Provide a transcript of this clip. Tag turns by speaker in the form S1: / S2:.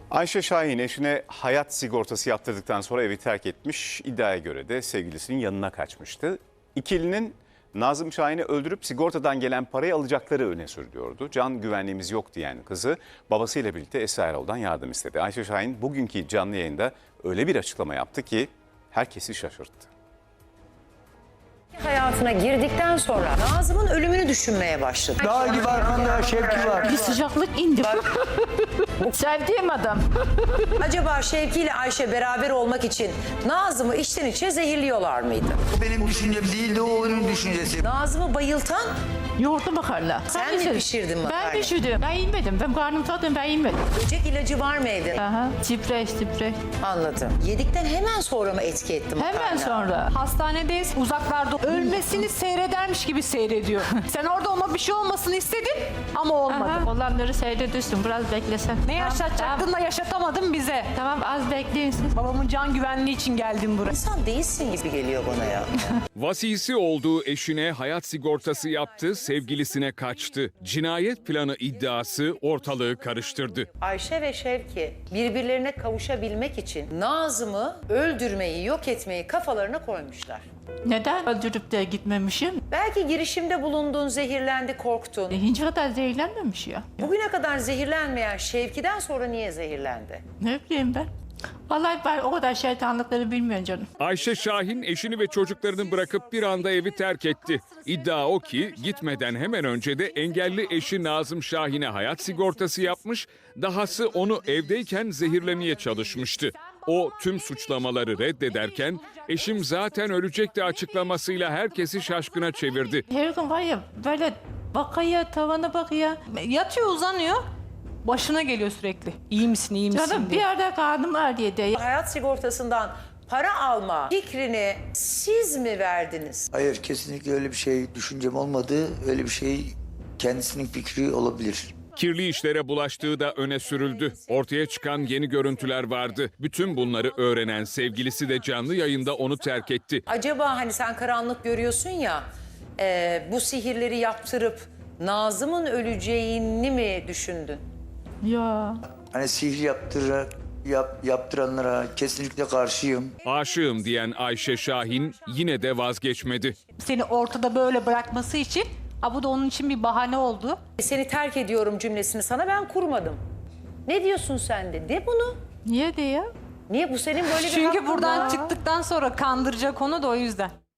S1: Ayşe Şahin eşine hayat sigortası yaptırdıktan sonra evi terk etmiş. İddiaya göre de sevgilisinin yanına kaçmıştı. İkilinin Nazım Şahin'i öldürüp sigortadan gelen parayı alacakları öne sürülüyordu. Can güvenliğimiz yok diyen kızı babasıyla birlikte Esra Erol'dan yardım istedi. Ayşe Şahin bugünkü canlı yayında öyle bir açıklama yaptı ki herkesi şaşırttı.
S2: Hayatına girdikten sonra Nazım'ın ölümünü düşünmeye başladı.
S3: Dağ gibi arkanda Şevki var.
S4: Bir sıcaklık indi. Sevdiğim adam.
S2: Acaba Şevki ile Ayşe beraber olmak için Nazım'ı içten içe zehirliyorlar mıydı?
S3: O benim düşüncem değildi, o onun düşüncesi.
S2: Nazım'ı bayıltan
S4: Yoğurtlu makarna.
S2: sen mi pişirdin makarnayı?
S4: Ben pişirdim. Ben yemedim. Ben karnım tadım, ben yemedim.
S2: Böcek ilacı var mı evde?
S4: Aha, tipreş.
S2: Anladım. Yedikten hemen sonra mı etki etti makarna?
S4: Hemen sonra.
S5: Hastanedeyiz, uzaklarda ölmesini seyredermiş gibi seyrediyor. Sen orada ona bir şey olmasını istedin ama olmadı.
S4: Aha, olanları seyrediyorsun. Biraz beklesen.
S5: Ne yaşatacaktın da yaşatamadın bize.
S4: Tamam, az bekleyin siz.
S5: Babamın can güvenliği için geldim buraya.
S2: İnsan değilsin gibi geliyor bana ya.
S6: Vasisi olduğu eşine hayat sigortası yaptı, sevgilisine kaçtı. Cinayet planı iddiası ortalığı karıştırdı.
S2: Ayşe ve Şevki birbirlerine kavuşabilmek için Nazım'ı öldürmeyi, yok etmeyi kafalarına koymuşlar.
S4: Neden öldürüp de gitmemişim?
S2: Belki girişimde bulundun, zehirlendi, korktun.
S4: Hiç kadar zehirlenmemiş ya.
S2: Bugüne kadar zehirlenmeyen Şevki'den sonra niye zehirlendi?
S4: Ne bileyim ben. Vallahi ben o kadar şeytanlıkları bilmiyorum canım.
S6: Ayşe Şahin eşini ve çocuklarını bırakıp bir anda evi terk etti. İddia o ki gitmeden hemen önce de engelli eşi Nazım Şahin'e hayat sigortası yapmış, dahası onu evdeyken zehirlemeye çalışmıştı. O tüm suçlamaları reddederken eşim zaten ölecekti açıklamasıyla herkesi şaşkına çevirdi.
S4: Her gün var ya böyle bakıyor, tavana bakıyor.
S5: Yatıyor, uzanıyor. Başına geliyor sürekli. İyi misin, iyi misin
S4: Canım bir
S5: diye.
S4: yerde karnım ağrıyor diye.
S2: Hayat sigortasından para alma fikrini siz mi verdiniz?
S3: Hayır, kesinlikle öyle bir şey düşüncem olmadı. Öyle bir şey kendisinin fikri olabilir.
S6: Kirli işlere bulaştığı da öne sürüldü. Ortaya çıkan yeni görüntüler vardı. Bütün bunları öğrenen sevgilisi de canlı yayında onu terk etti.
S2: Acaba hani sen karanlık görüyorsun ya, bu sihirleri yaptırıp Nazım'ın öleceğini mi düşündün?
S4: Ya.
S3: Hani sihir yaptıranlara kesinlikle karşıyım.
S6: Aşığım diyen Ayşe Şahin yine de vazgeçmedi.
S5: Seni ortada böyle bırakması için, bu da onun için bir bahane oldu.
S2: Seni terk ediyorum cümlesini sana ben kurmadım. Ne diyorsun sen de bunu.
S4: Niye diye?
S2: Niye bu senin böyle bir
S5: Çünkü
S2: hakkın
S5: buradan
S2: var.
S5: çıktıktan sonra kandıracak onu da o yüzden.